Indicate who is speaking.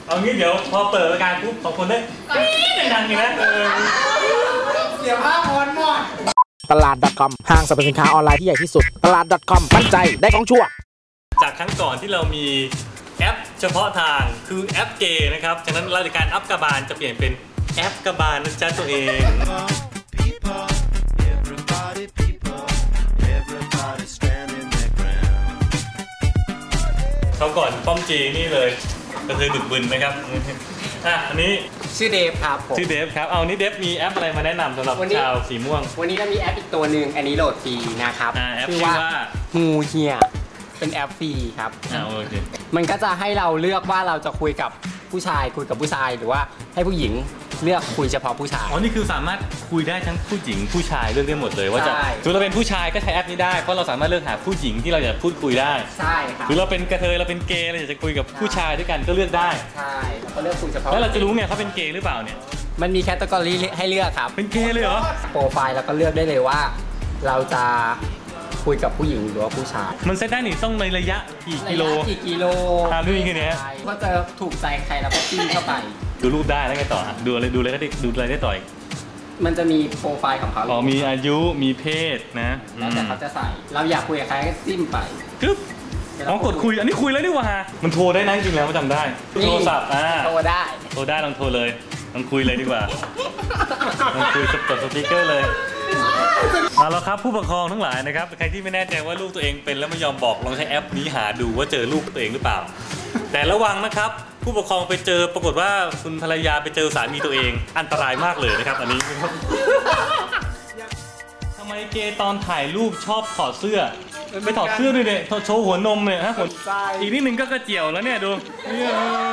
Speaker 1: เอางี้เดี๋ยวพอเปิดรายการปุ๊บสองคนได้ดังๆนี่นะ
Speaker 2: เสียภาพพรหมด
Speaker 3: ตลาด .com ห้างสรรพสินค้าออนไลน์ที่ใหญ่ที่สุดตลาด .com มั่นใจได้ของชั่ว
Speaker 1: จากครั้งก่อนที่เรามีแอปเฉพาะทางคือแอปเกย์นะครับฉะนั้นรายการอัพกบาลจะเปลี่ยนเป็นแอปกบาลนะจ๊ะตัวเองเขาก่อนป้อมจีนี่เลยก็คือบึกบึนนะครับอันนี้
Speaker 2: ชื่อเดฟครับผม
Speaker 1: ชื่อเดฟครับเอานี่เดฟมีแอปอะไรมาแนะนำสำหรับชาวสีม่วง
Speaker 2: วันนี้ก็มีแอปอีกตัวหนึ่งอันนี้โหลดฟรีนะครับ
Speaker 1: ชื่อว่า
Speaker 2: ฮูเฮียเป็นแอปฟรีครับ
Speaker 1: โอเค
Speaker 2: มันก็จะให้เราเลือกว่าเราจะคุยกับผู้ชายคุยกับผู้ชายหรือว่าให้ผู้หญิงเลือกคุยเฉพาะผู้ชาย
Speaker 1: นี่คือสามารถคุยได้ทั้งผู้หญิงผู้ชายเลือกได้หมดเลยว่าจะถ้าเราเป็นผู้ชายก็ใช้แอปนี้ได้เพราะเราสามารถเลือกหาผู้หญิงที่เราอยากพูดคุยได้
Speaker 2: ใช่ครับ
Speaker 1: หรือเราเป็นกระเทยเราเป็นเกย์เราอยากจะคุยกับผู้ชายด้วยกันก็เลือกได้
Speaker 2: ใช่แล้วก็เลือกคุยเฉพาะ
Speaker 1: แล้วเราจะรู้ไงเขาเป็นเกย์หรือเปล่าเนี่ย
Speaker 2: มันมีแคตตากรีให้เลือกครับ
Speaker 1: เป็นเกย์เลยเหรอ
Speaker 2: โปรไฟล์แล้วก็เลือกได้เลยว่าเราจะคุยกับผู้หญิงหรือว่าผู้ชาย
Speaker 1: มันเซตได้หนิต้องในระยะกี่กิโลดูอย่างเงี้ย
Speaker 2: ก็จะถูกใจใครแล้วก็จิ้มเข้าไป
Speaker 1: ดูรูปได้แล้วไงต่อดูอะไรได้ต่อ
Speaker 2: มันจะมีโปรไฟล์ของเขา
Speaker 1: มีอายุมีเพศนะ
Speaker 2: แล้วแต่เขาจะใส่เราอยากคุยกับใครก็จิ้มไป
Speaker 1: กึ๊บกดคุยอันนี้คุยแล้วนี่หว่ามันโทรได้นะจริงแล้วจำได้โทรศัพท์
Speaker 2: โทรได้
Speaker 1: ลองโทรเลยลองคุยเลยดีกว่าลองคุยกดสปีกเกอร์เลยแล้วครับผู้ปกครองทั้งหลายนะครับใครที่ไม่แน่ใจว่าลูกตัวเองเป็นแล้วไม่ยอมบอกลองใช้แอปนี้หาดูว่าเจอลูกตัวเองหรือเปล่าแต่ระวังนะครับผู้ปกครองไปเจอปรากฏว่าคุณภรรยาไปเจอสามีตัวเองอันตรายมากเลยนะครับอันนี้ทำไมเกย์ตอนถ่ายรูปชอบถอดเสื้อไปถอดเสื้อด้วยเนี่ยโชว์หัวนมเนี่ยฮะอีกนิดนึงก็กระเจียวแล้วเนี่ยดู